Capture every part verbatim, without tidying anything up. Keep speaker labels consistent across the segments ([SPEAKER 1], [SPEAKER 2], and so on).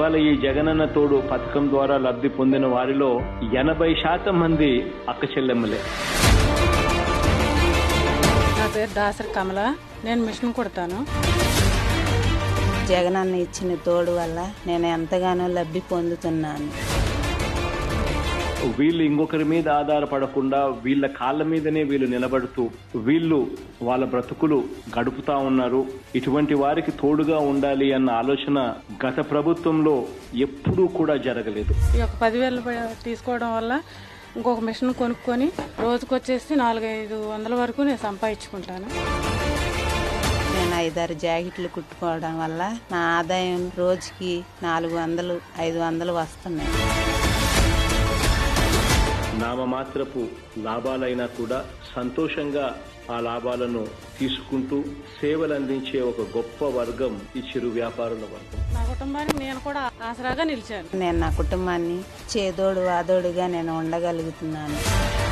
[SPEAKER 1] ఇవాళ ఈ జగనన్న తోడు పథకం ద్వారా లబ్ధి పొందిన వారిలో ఎనభై శాతం మంది అక్క చెల్లెమ్మలే.
[SPEAKER 2] నా పేరు దాసరి కమల, నేను మిషన్ కుడతాను.
[SPEAKER 3] జగనన్న ఇచ్చిన తోడు వల్ల నేను ఎంతగానో లబ్ధి పొందుతున్నాను.
[SPEAKER 1] వీళ్ళు ఇంకొకరి మీద ఆధారపడకుండా వీళ్ళ కాళ్ళ మీదనే వీళ్ళు నిలబడుతూ వీళ్ళు వాళ్ళ బ్రతుకులు గడుపుతా ఉన్నారు. ఇటువంటి వారికి తోడుగా ఉండాలి అన్న ఆలోచన గత ప్రభుత్వంలో ఎప్పుడూ కూడా జరగలేదు.
[SPEAKER 2] ఈ యొక్క పదివేలు తీసుకోవడం వల్ల ఇంకొక మిషన్ కొనుక్కొని రోజుకొచ్చేసి నాలుగైదు వందల వరకు నేను సంపాదించుకుంటాను.
[SPEAKER 3] నేను ఐదారు జాకెట్లు కుట్టుకోవడం వల్ల నా ఆదాయం రోజుకి నాలుగు వందలు ఐదు వందలు వస్తున్నాయి.
[SPEAKER 1] నామమాత్రపు లాభాలైనా కూడా సంతోషంగా ఆ లాభాలను తీసుకుంటూ సేవలు అందించే ఒక గొప్ప వర్గం ఈ చిరు వ్యాపారుల వర్గం.
[SPEAKER 2] నా కుటుంబానికి నేను కూడా ఆసరాగా నిలిచాను.
[SPEAKER 3] నేను నా కుటుంబాన్ని చేదోడు వాదోడుగా నేను ఉండగలుగుతున్నాను.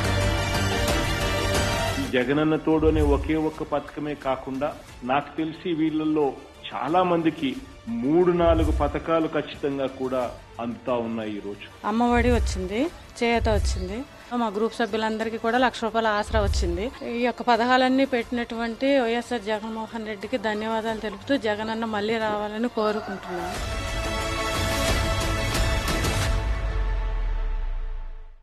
[SPEAKER 1] జగనన్న తోడు అనే ఒకే ఒక్క పథకమే కాకుండా నాకు తెలిసి వీళ్ళల్లో చాలా మందికి మూడు నాలుగు పథకాలు ఖచ్చితంగా కూడా అందుతా ఉన్నాయి. ఈ రోజు
[SPEAKER 2] అమ్మఒడి వచ్చింది, చేయూత వచ్చింది, మా గ్రూప్ సభ్యులందరికీ కూడా లక్ష రూపాయల ఆసరా వచ్చింది. ఈ యొక్క పథకాలన్నీ పెట్టినటువంటి వైఎస్ఆర్ జగన్మోహన్ రెడ్డికి ధన్యవాదాలు తెలుపుతూ జగనన్న మళ్ళీ రావాలని కోరుకుంటున్నాను.